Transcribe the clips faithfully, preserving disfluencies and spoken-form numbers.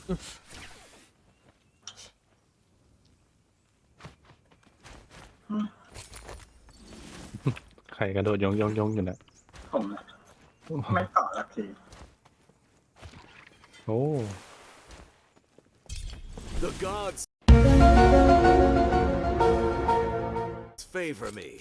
ใครกระโดดยองยองยองอยู่นะผมไม่ต่อละทีโอ้ The gods favor me.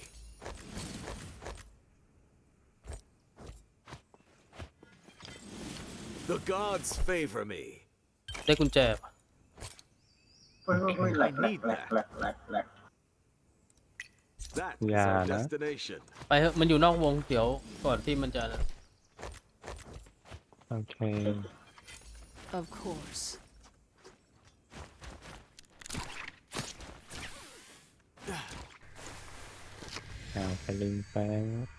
The gods favor me. ได้กุญแจปะเฮ้ยเฮ้ยแหลกแหลกแหลกแหลกแหลกแหลก That is our destination. ไปเถอะมันอยู่นอกวงเดี๋ยวก่อนที่มันจะโอเค Of course. เอาไปลิงแป๊บ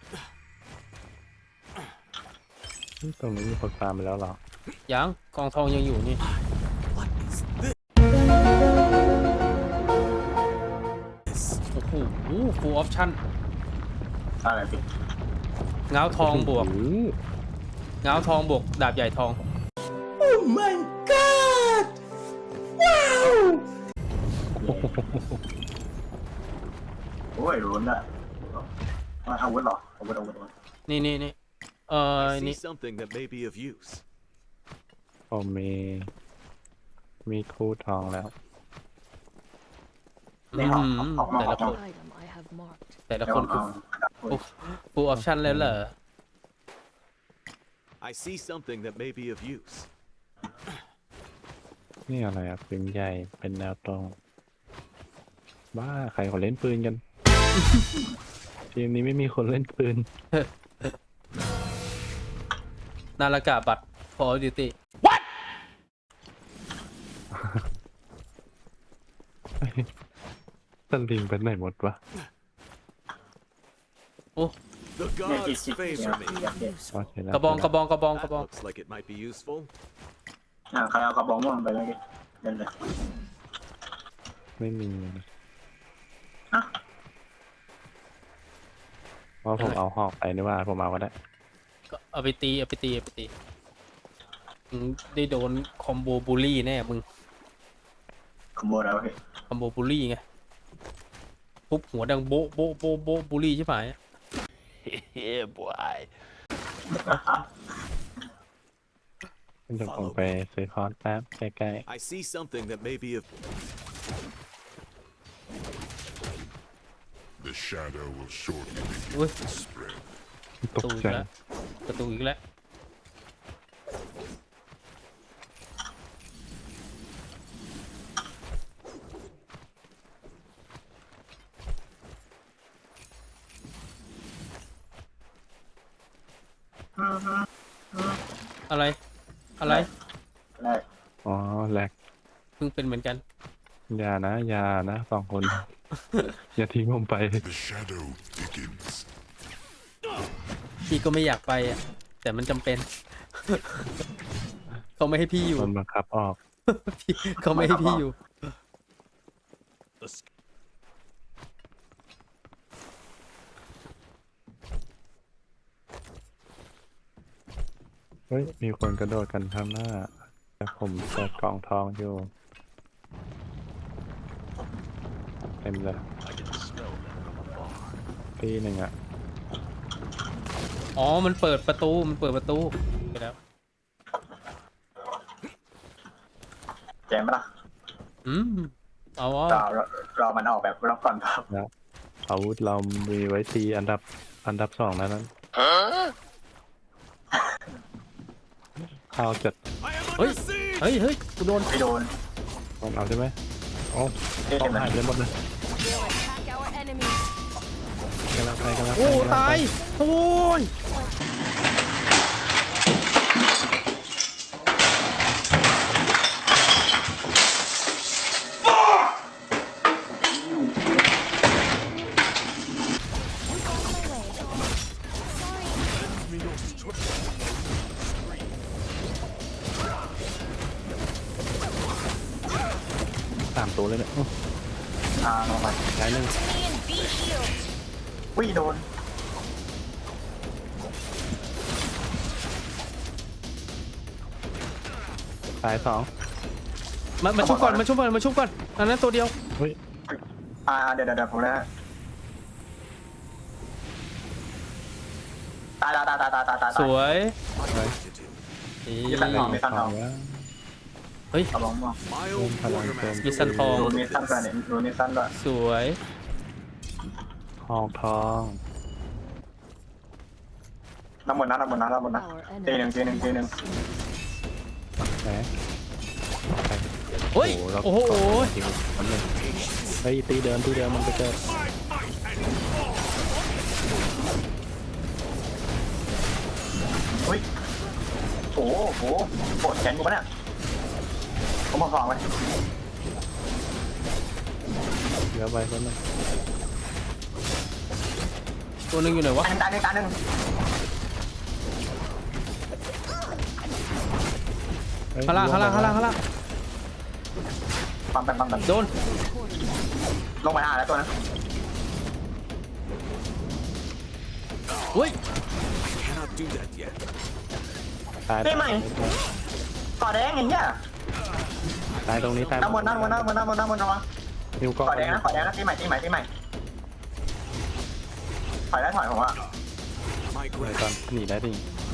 ตรงนี้มีคนตามไปแล้วเหรอยังกองทองยังอยู่นี่ What is this? โอ้โห full option อะไรพี่เงาทองบวกโอ้โหเงาทองบวกดาบใหญ่ทอง Oh my god ว้าวโอ้ยรุนอะมาอาวุธหรออาวุธอาวุธอาวุธนี่นี่นี่เอ่อ I นี่ see something that may be of use. ผมมีมีคู่ทองแล้วอืมแต่ละคน Item I have marked. แต่ละเดี๋ยวคนเอาคือ full option แล้วเหรอ I see something that may be of use. นี่อะไรอ่ะปืนใหญ่เป็นแนวตรงบ้าใครเขาเล่นปืนกัน ทีมนี้ไม่มีคนเล่นปืนนาฬิกาบัตร Call of Duty สลิงไปไหนหมดวะโอ้ The เนี่ยจิต gods จิตเนี่ย favor me. เนี่ยเนี่ยโอเคแล้วกระบองกระบองกระบองกระ That บอง looks like it might be useful. อ่าใครเอากระบอกม่วงไปเลยดิเดินเลยไม่มีอ่ะเพราะผมเอาหอกไปนี่ว่าผมเอาก็ได้ก็เอาไปตีเอาไปตีเอาไปตีมึงได้โดนคอมโบบูลลี่แน่มึงขโมยแล้วพี่คอมโบบูลลี่ไงปุ๊บหัวดังโบ๊ะโบ๊ะโบ๊ะโบ๊ะบูลลี่ใช่ไหม Yeah, boy. เดี๋ยวผมไปซื้อคอร์สแป๊บใกล้ I see something that may be of. The shadow will shortly อุ้ย begin to spread. ๆปตระกตูอีใจกแล้วประตูอีกแล้วอะไรอะไรแรกอ๋อแหลกเพิ่งเป็นเหมือนกันอย่านะอย่านะสองคน อย่าทิ้งผมไป The shadow begins. พี่ก็ไม่อยากไปอ่ะแต่มันจำเป็น เขาไม่ให้พี่อยู่มันบังคับออกพี่เขาไม่ให้พี่อยู่เฮ้ยมีคนกระโดดกันข้างหน้า แต่ผมเปิดกล่องทองอยู่เต็มเลยปีหนึ่งอะอ๋อมันเปิดประตูมันเปิดประตูไปแล้วแจมปะล่ะอืมเอาวะรอรอรอมันออกแบบรอบก่อนครับแล้วอาวุธเรามีไว้ตีอันดับอันดับสองนั้นนั้นเข้าจัด I am เฮ้ย under siege. เฮ้ยเฮ้ยกูโดนไม่โดนต้องเอาใช่ไหมโอ้เอ๊ะต้องมันหายไปหมดเลย We'll attack our enemies. กำลังไปกำลังไปโอ้กำลังไปตายโอ้ยสามตัวเลยเนี่ยอ่าลงไปย้ายหนึ่งวิ่งโดนตายสองมามาชุบก่อนมาชุบก่อนมาชุบก่อนอันนั้นตัวเดียวเฮ้ยอ่าเดี๋ยวเดี๋ยวเดี๋ยวผมเลยฮะตายตายตายตายตายตายสวย Gratitude. นี่มีสันทองมีสันทองว่าเฮ้ยเอาลองมอง My Ôm old phải làm quartermaster Bị săn would thong. ดู approve มี of สั้นด้วย this. เนี่ยดูมีสั้นด้วยสวยทองทองน้ำมันนะน้ำมันนะน้ำมันนะ Our ทีหนึ่ง enemies ทีหนึ่งทีหนึ่งแหมไปเฮ้ยเราโอ้โหจริงๆมันเลยเฮ้ยตีเดินตีเดินมันไปเจอเฮ้ยโอ้โหปวดแขนกูปะเนี่ยผมบอกสองไว้เหลือไปคนนึงตัวหนึงอยู่ไหนวะตายหนึ่งตายหนึ่งตายหนึ่งเฮ้ยข้างล่างข้างล่างข้างล่างข้างล่างปั๊มแบบปั๊มแบบโดนลงไปหาแล้วตัวนั้นเฮ้ย Cannot do that yet. ตายนี่ใหม่ก่อแดงอย่างเงี้ยตายตรงนี้ตายน้ำมันน้ำมันน้ำมันน้ำมันน้ำมันระวังนิ้วก็ก่อแดงนะก่อแดงนะตีใหม่ตีใหม่ตีใหม่ถอยได้ถอยผมว่า My เลยก่อน gratitude. หนีได้ดิ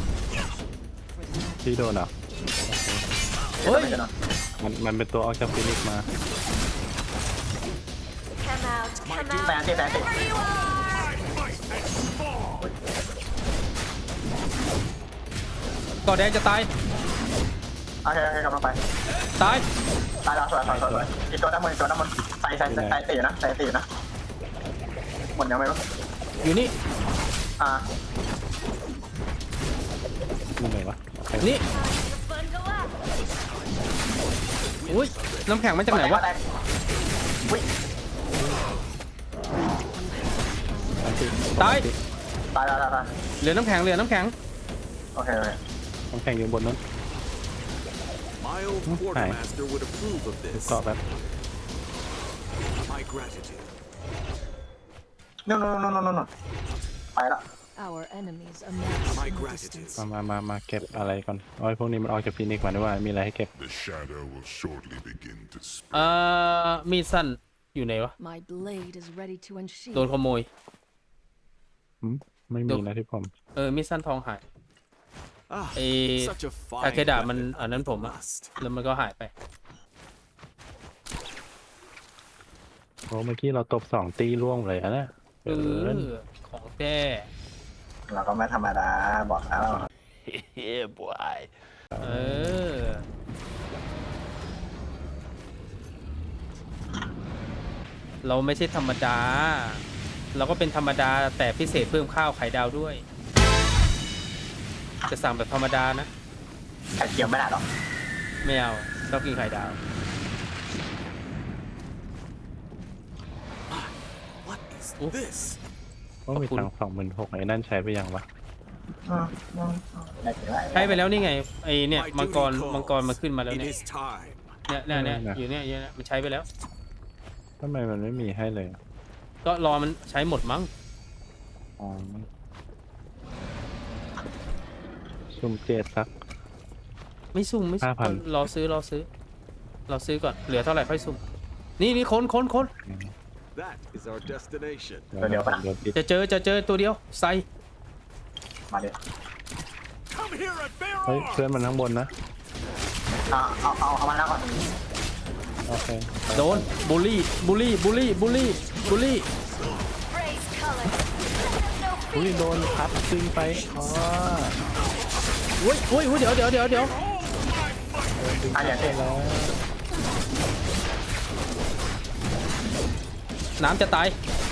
พี่โดนเหรอเฮ้ยมันมันเป็นตัวออกจากฟินิกซ์มา Come out. Come แปด out. ตีแปดตี There you are. ก่อแดงจะตายโอเคโอเคกำลังไปตายตายแล้วสวยสวยสวยสวยอีกตัวน้ำมันอีกตัวน้ำมันใส่ใส่ใส่ใส่ตีนะใส่ตีนะหมดยังไม่รู้อยู่นี่อ่านี่ไหนวะโอเคนี่ Fun go up. อุ้ยน้ำแข็งมาจากไหนวะอุ้ยอันที่ตายตายตายตายตายเหลือน้ำแข็งเหลือน้ำแข็งโอเคโอเคต้องแข่งอยู่บนนั้น My old Hmm, quartermaster would approve of ดู this. เกาะแบบ My gratitude. นู่นนู่นนู่นนู่นนู่นไปละ Our enemies amass My in the gratitude. distance. มามามามาเก็บอะไรก่อนโอ้ยพวกนี้มันออกจากฟินิกซ์มาด้วยว่ามีอะไรให้เก็บ The shadow will shortly begin to spread. เอ่อมีดสั้นอยู่ไหนวะ My blade is ready to โดน unsheath. ขโมยหืมไม่มีนะที่ผมเออมีดสั้นทองหาย Ah, Eh, such a fine ทาเคดะมัน weapon. อันนั้นผมอะ Must. แล้วมันก็หายไปโอ้เมื่อกี้เราตบสองตีร่วงเลยอะนะเอเกินอของแท้เราก็ไม่ธรรมดาบอกแล้ว Yeah, boy. เออ เราไม่ใช่ธรรมดา เราก็เป็นธรรมดาแต่พิเศษเพิ่มข้าวไข่ดาวด้วย จะสั่งแบบธรรมดานะไข่เจียวไม่ได้หรอกไม่เอาชอบกินไข่ดาว What is Oof. this? ว่ามีตังสองหมื่นหกไอ้นั่นใช้ไปยังวะอืมอืมไม่ถึงไรใช้ไปแล้วนี่ไงไอเนี่ย My มังกร duty มังกร calls. มาขึ้นมาแล้ว It เนี่ย is time. เนี่ยเนี่ยเนี่ยอยู่เนี่ยอยู่เนี่ยมันใช้ไปแล้วทำไมมันไม่มีให้เลยอะก็รอมันใช้หมดมั้งอ๋อซุ่มเจ็ดสักไม่ซุ่มไม่ซุ่มห้าพันรอซื้อรอซื้อรอซื้อก่อนเหลือเท่าไหร่ค่อยซุ่มนี่นี่ค้นค้นค้น That is our destination. เดี๋ยวผมโดนปิดจะเจอจะเจอตัวเดียวใส่มาดิ Come here and bear เฮ้ยเพื่อนมันข้างบนนะเอาเอาเอาเอามาแล้วก่อนโอเคโดนบูลลี่บูลลี่บูลลี่บูลลี่บูลลี่ Praise color. No อุ้ยโดนพัดซิงไปอ๋ออุ้ยอุ้ยอุ้ยเดี๋ยวเดี๋ยวเดี๋ยวเดี๋ยวอ่ะเดี๋ยวเดี๋ยวแล้วน้ำจะตาย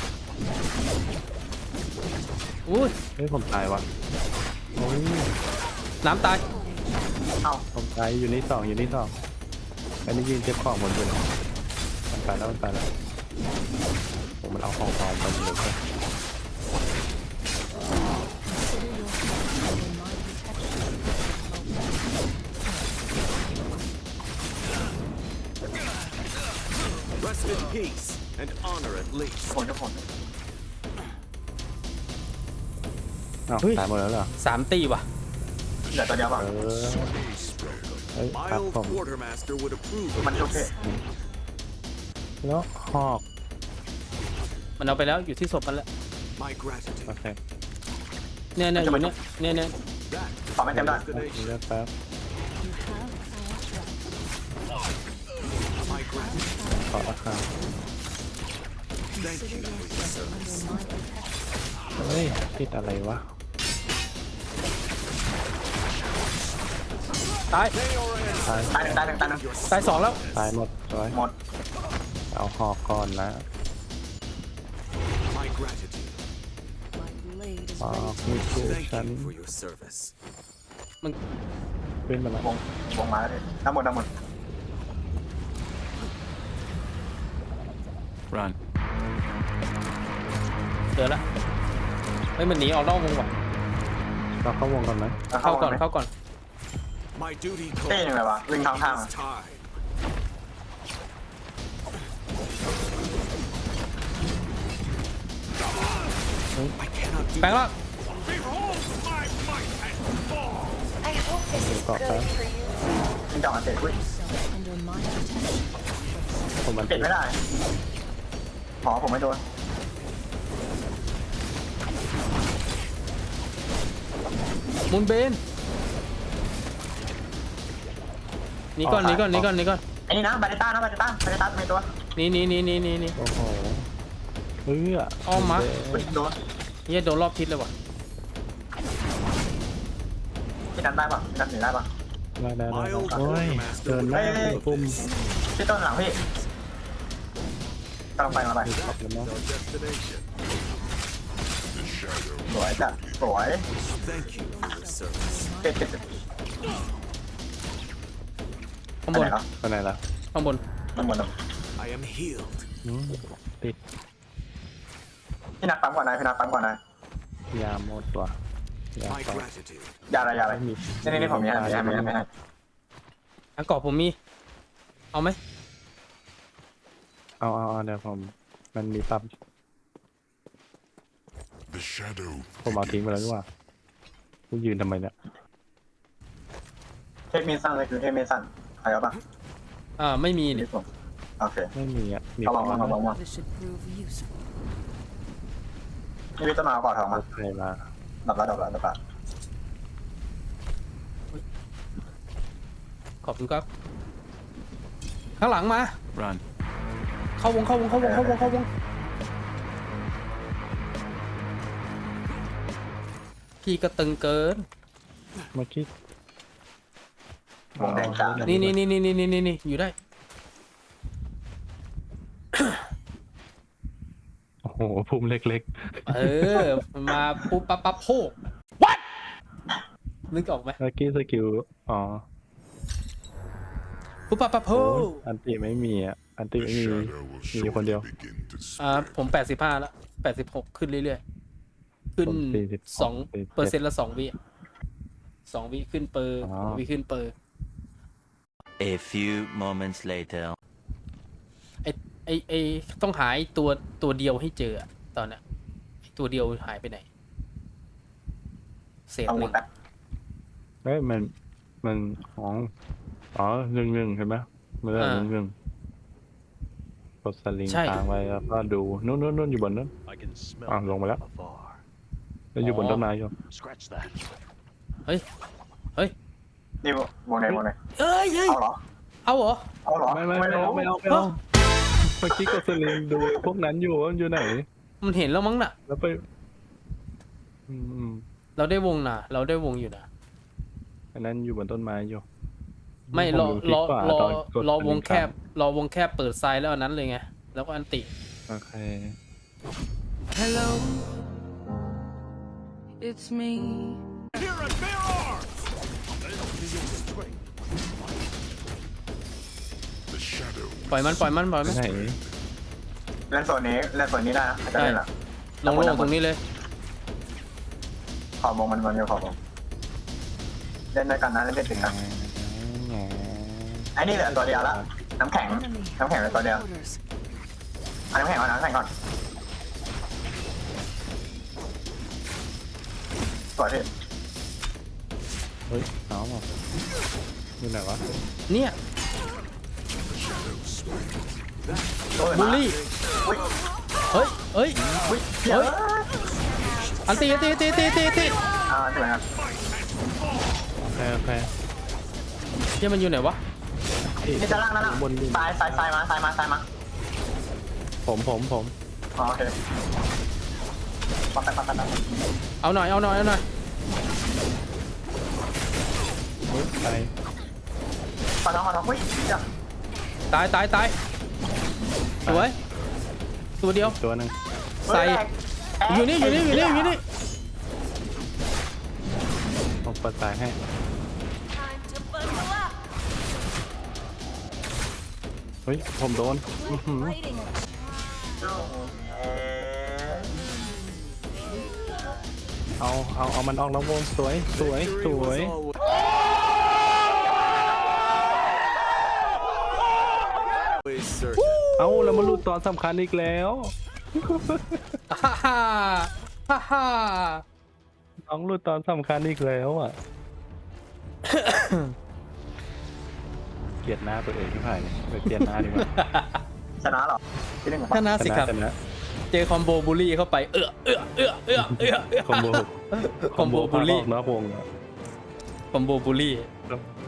อุ้ยเฮ้ยผมตายว่ะโอ้ยน้ำตายเอาผมตายอยู่นี่สองอยู่นี่สองอันนี้ยืนเก็บของบนอยู่เลยมันไปแล้วมันไปแล้วผมมันเอาของทองไปเลย consider your family in my protection. Rest in peace and honor at least. ทุกคนทุกคนอ้าวตายหมดแล้วเหรอสามตีว่ะเหลือตัวเดียวป่ะเออเอ้ย My ครับ old ผม quartermaster would approve of มันโอเค this. แล้วหอกมันเอาไปแล้วอยู่ที่ศพมันแล้ว My gratitude. โอเคเนี่ยเนี่ยอยู่เนี่ยเนี่ยเนี่ย That ขอไม่เต็มได้ destination. เลือกแป๊บ You have our trust. My gratitude. ขอราคา Thank Consider you for your yourself service. under my protection. เฮ้ยติดอะไรวะตายตายตายหนึ่งตายหนึ่งตายหนึ่งตายสองแล้วตายหมดสวยหมดเอาหอกก่อนนะ My gratitude. My blade is หอก ready มีคู่ Thank ฉัน you for your service. มันขึ้นมาแล้ววงวงมาแล้วดิน้ำหมดน้ำหมด run เจอละเฮ้ยมันหนีออกนอกวงว่ะเราเข้าวงก่อนไหมแล้วเข้าก่อนไหมเข้าก่อน My duty เต้ยังไงวะวิ่งทางทาง is time. I cannot do แปลงแล้ว Behold my might and fall. I hope this is Got good that. for you. วิ่งจับมันเตะวิ่ง Yourself under my protection. ผมมันติติดดไม่ได้หมอผมไม่โดนมุนเบนหนีก่อนหนีก่อนหนีก่อนหนีก่อนไอ้นี่นะบาเดต้านะบาเดต้าบาเดต้าไม่ตัวหนีหนีหนีหนีหนีหนีโอ้โหเฮ้ยอ้อมมาอุ๊ยโดนเฮียโดนรอบทิศเลยว่ะพี่ดันได้ปะพี่ดันหนีได้ปะได้ได้ได้โอ้ยเดินได้ปุ่มพี่ต้นหลังพี่กำลังไปมาไปขอบคุณมาก Our destination. The shadow สวยจ้ะสวย Thank you for your service. เจ็ดเจ็ดเจ็ดข้างไปบไหนนแล้วไปไหนล่ะข้างบนมันหมดแล้ว I am healed. อืมติดพี่นักปั๊มก่อนนะพี่นักปั๊มก่อนนะยาหมดว่ะยา My ต่อ gratitude. ยาอะไรยาอะไรไม่มีนี่นี่นี่ผมมีให้มีให้มีให้มีให้อังกอร์ผมมี เอาไหมเอาเอาเอาเดี๋ยวผมมันมีปั๊บ The shadow ผมเอาทิ้งไปแล้วดีกว่ากูยืนทำไมเนี่ยเทปมีสั้นเลยคือเทปมีสั้นใครเอาปะอ่าไม่มีนี่เนี่ยผมโอเคไม่มีอ่ะมีเอาขลออง งมาลองมา This should prove useful. นี่พี่ต้นมาเอาก่อนทองมาใครมาดับแล้วดับแล้วดับแล้วขอบคุณครับ ข้างหลังมา run เข้าวงเข้าวงเข้าวงเข้าวงเข้าวงพี่ก็ตึงเกินเมื่อกี้วงแดงจ้านี่นี่นี่นี่นี่นี่นี่อยู่ได้โอ้โหภูมิเล็กเออมันมาปุ๊บปั๊บปั๊บโพก what นึกออกไหมๆเมื่อกี้สกิลอ๋อปุ๊บปั๊บปั๊บโพโอ้ยกอันติไม่มีอ่ะอันติ the ไม่มี shadow will มีคนเดียว shortly begin to อ่า spread. ผมแปดสิบห้าแล้วแปดสิบหกขึ้นเรื่อยๆ ขึ้นผมสี่สิบสองสี่สิบเจ็ดเปอร์เซ็นต์ละสองวิอะสองวิขึ้นเปอร์อ๋อสองวิขึ้นเปอร์ A few moments later. ไอไอไอต้องหาไอตัวตัวเดียวให้เจออะตอนเนี้ยไอ้ตัวเดียวหายไปไหน เศษเอาหหมนึ่ดงแล้วเฮ้ยมันมันของอ๋อหนึ่งหนึ่งเห็นไหมมันเรื่องหนึ่งหนึ่งกดสลิงค้างไว้แล้วก็ดูนู่นนู่นนู่นอยู่บนนั้น I can smell Ah, them lộn rồi đó. from afar. แล้วอยู่บนต้นไม้อยู่ Scratch that. นี่วงไหนวงไหนเอ้ยเอ้ยเอาเหรอเอาเหรอเอาเหรอไม่ไม่ไม่เอาไม่เอาไม่เอาเมื่อกี้กดสลิงดูพวกนั้นอยู่ว่ามันอยู่ไหนมันเห็นแล้วมั้งน่ะแล้วไปอืมเราได้วงน่ะ เราได้วงอยู่นะอันนั้นอยู่บนต้นไม้อยู่ไม่ผรอดูคลิรปอกว่ารอตอนกดรอสลิวงแคบค้รอวงแคบเปิดไซด์แล้วอันนั้นเลยไง แล้วก็อันติโอเค Hello, it's me. Here at bear arms. Lend me your strength. The shadow ปล่อยมันปล่อยมันปล่อยมันไหนเล่นโซนนี้เล่นโซนนี้ได้นะอาจจะเล่นละลงโลงตรงนี้เลยขอบวงมันมันอยู่ขอบวงเล่นด้วยกันนะเล่นได้ถึงนะไอ้นี่เหลือตัวเดียวละน้ำแข็ง Enemy น้ำแข็งเหลือตัวเดียว orders. เอาน้ำแข็งก่อนน้ำแข็งก่อนสวยที่เฮ้ยเอาอ่ะอยู่ไหนวะเนี่ยโอ้ยบูลลี่อุ้ยเฮ้ยเฮ้ยอุ้ยเฮ้ย อันตีอันตีอันตีอันตีอันตีอันตีอ่าใช่ไหมครับแพ้แพ้เฮียมันอยู่ไหนวะนี่จะล่างนั่นน่ะบนดินซ้ายซ้ายซ้ายมาซ้ายมาซ้ายมาผมผมผมอ๋อโอเคปั๊บปั๊บปั๊บปั๊บเอาหน่อยเอาหน่อยเอาหน่อยเฮ้ยไปขอโทษขอโทษอุ้ยเดี๋ยวตายตายตายสวยตัวเดียวตัวหนึ่งใส่ อยู่นี่อยู่นี่อยู่นี่อยู่นี่ผมเปิดสายให้ เฮ้ย ผมโดนอื้อหือ Lighting it. เอาเอาเอามันออกแล้ววงสวยสวยสวย เอาแล้วมาหลุดตอนสำคัญอีกแล้วฮ่าฮ่าฮ่าฮ่าน้องหลุดตอนสำคัญอีกแล้วอ่ะ เกลียดหน้าตัวเองที่ผ่านเลยเกลียดหน้าดีกว่าชนะเหรอที่หนึ่งเหรอชนะสิครับชนะเจอคอมโบบูลลี่เข้าไปเอื้อเอื้อเอื้อเอื้อเอื้อเอื้อคอมโบคอมโบบูลลี่พาออกนอกวงอะคอมโบบูลลี่